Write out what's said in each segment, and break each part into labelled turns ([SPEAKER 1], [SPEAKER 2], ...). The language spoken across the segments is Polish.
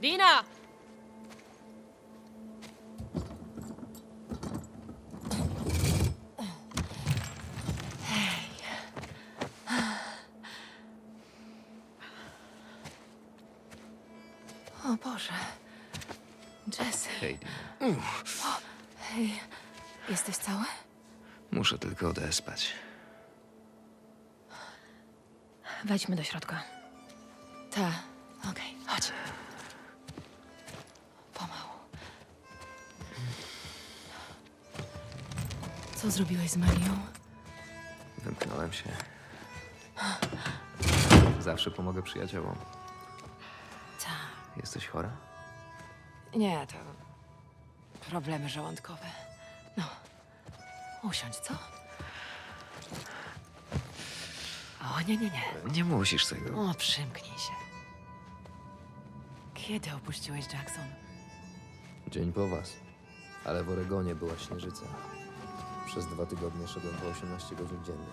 [SPEAKER 1] Dina!
[SPEAKER 2] O Boże. Jesse.
[SPEAKER 3] Hej,
[SPEAKER 2] Hej, jesteś cały?
[SPEAKER 3] muszę tylko odespać.
[SPEAKER 1] Wejdźmy do środka.
[SPEAKER 2] Ta. Okej, chodź. Pomału. Co zrobiłeś z Marią?
[SPEAKER 3] Wymknąłem się. Zawsze pomogę przyjaciołom.
[SPEAKER 2] Ta.
[SPEAKER 3] Jesteś chora?
[SPEAKER 2] Nie, to problemy żołądkowe. No, usiądź, co? O, nie.
[SPEAKER 3] Nie musisz tego.
[SPEAKER 2] O, przymknij się. Kiedy opuściłeś Jackson?
[SPEAKER 3] Dzień po was. Ale w Oregonie była śnieżyca. Przez 2 tygodnie szedłem po 18 godzin dziennie.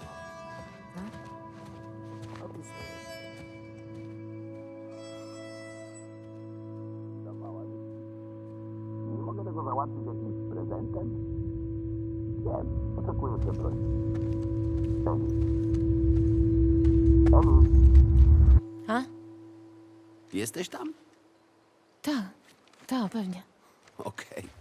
[SPEAKER 4] Nie mogę tego załatwić jakimś prezentem? Wiem, oczekuję przeprosin. Emi,
[SPEAKER 1] A?
[SPEAKER 4] jesteś tam?
[SPEAKER 1] Tak, pewnie.
[SPEAKER 4] Okej.